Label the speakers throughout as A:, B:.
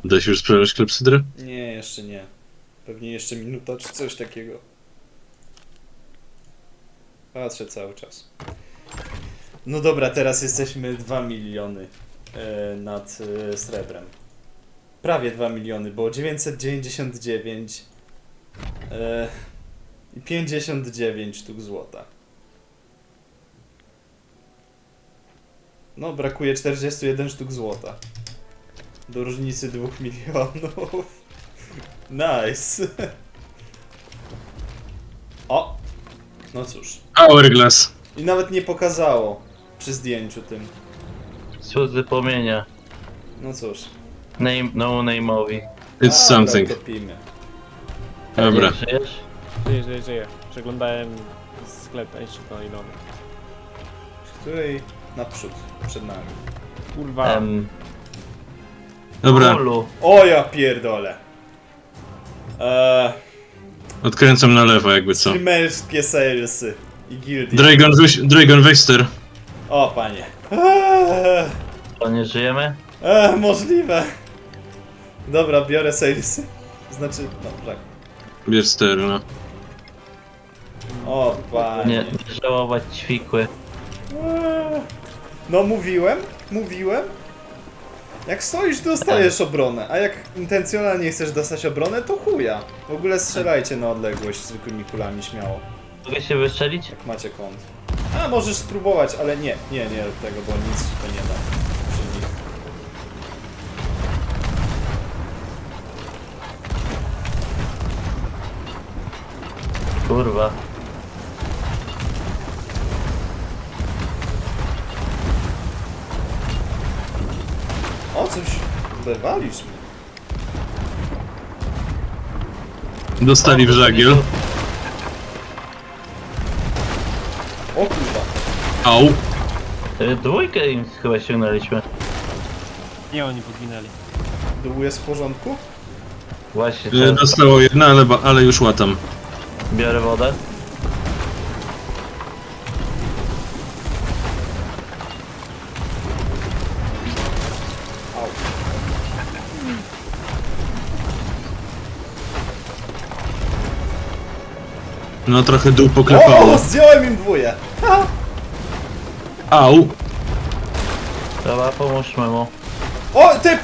A: Da się już sprzedać klepsydrę?
B: Nie, jeszcze nie. Pewnie jeszcze minuta czy coś takiego. Patrzę cały czas. No dobra, teraz jesteśmy 2 miliony nad srebrem. Prawie 2 miliony, bo 999 i 59 sztuk złota. No, brakuje 41 sztuk złota. Do różnicy 2 milionów. Nice. O! No cóż.
A: Hourglass.
B: I nawet nie pokazało przy zdjęciu tym.
C: Cudzy płomienia.
B: No cóż.
C: Name, no name'owi.
A: It's something.
B: Topimy.
A: Dobra.
C: Żyjesz?
D: Żyję. Przeglądałem sklep antykoinowy.
B: Z której naprzód, przed nami.
D: Kurwa.
A: Dobra,
C: Ulu.
B: O ja pierdolę.
A: odkręcam na lewo jakby co.
B: Streamerskie salesy i gildie.
A: Dragon Wester.
B: O panie.
C: To nie żyjemy?
B: Możliwe. Dobra, biorę salesy. Znaczy, no tak.
A: Wester, no.
B: O panie.
C: Nie żałować ćwikły.
B: No mówiłem. Jak stoisz, dostajesz obronę, a jak intencjonalnie chcesz dostać obronę, to chuja. W ogóle strzelajcie na odległość zwykłymi kulami, śmiało.
C: Mogę się wystrzelić?
B: Jak macie kąt. A, możesz spróbować, ale nie rób tego, bo nic ci to nie da. Przy nich.
C: Kurwa.
B: O, coś wywalisz mnie.
A: Dostali w żagiel.
B: O kurwa.
A: Au.
C: Dwójkę im chyba ściągnęliśmy.
D: Nie, oni podwinęli.
B: Dół jest w porządku?
C: Właśnie,
A: Dostało jedna, ale już łatam.
C: biorę wodę.
B: Au.
A: No trochę dół poklepało.
B: O, zdjąłem im dwóje. Ha!
A: Au.
C: Dobra, pomóżmy mu.
B: O, typ!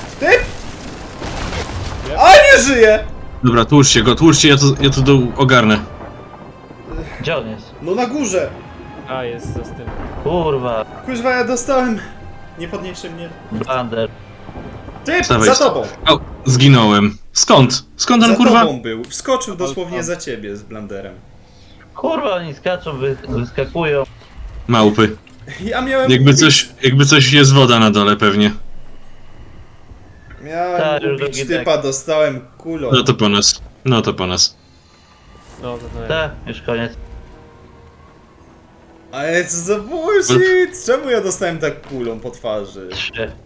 B: A, nie żyje!
A: Dobra, tłuczcie go, ja to dół ogarnę.
C: Gdzie on jest?
B: No na górze.
D: A, jest za tym.
C: Kurwa.
B: Kuźwa, ja dostałem. Nie podniesie mnie.
C: Blunder.
B: Typ,
A: Wstawaj,
B: za tobą.
A: Au, zginąłem. Skąd? Skąd on
B: Za
A: kurwa?
B: tobą był. Wskoczył dosłownie za ciebie z blanderem.
C: Kurwa, oni skaczą, wyskakują.
A: Małpy.
B: Ja miałem
A: Jakby coś jest woda na dole pewnie.
C: Tak, już
B: ubić
C: drugi
B: typa, dostałem kulą.
A: No to po nas. No to po nas.
D: No, to nie.
C: Tak, już koniec.
B: Ale co za bullshit! Czemu ja dostałem tak kulą po twarzy?
C: 3.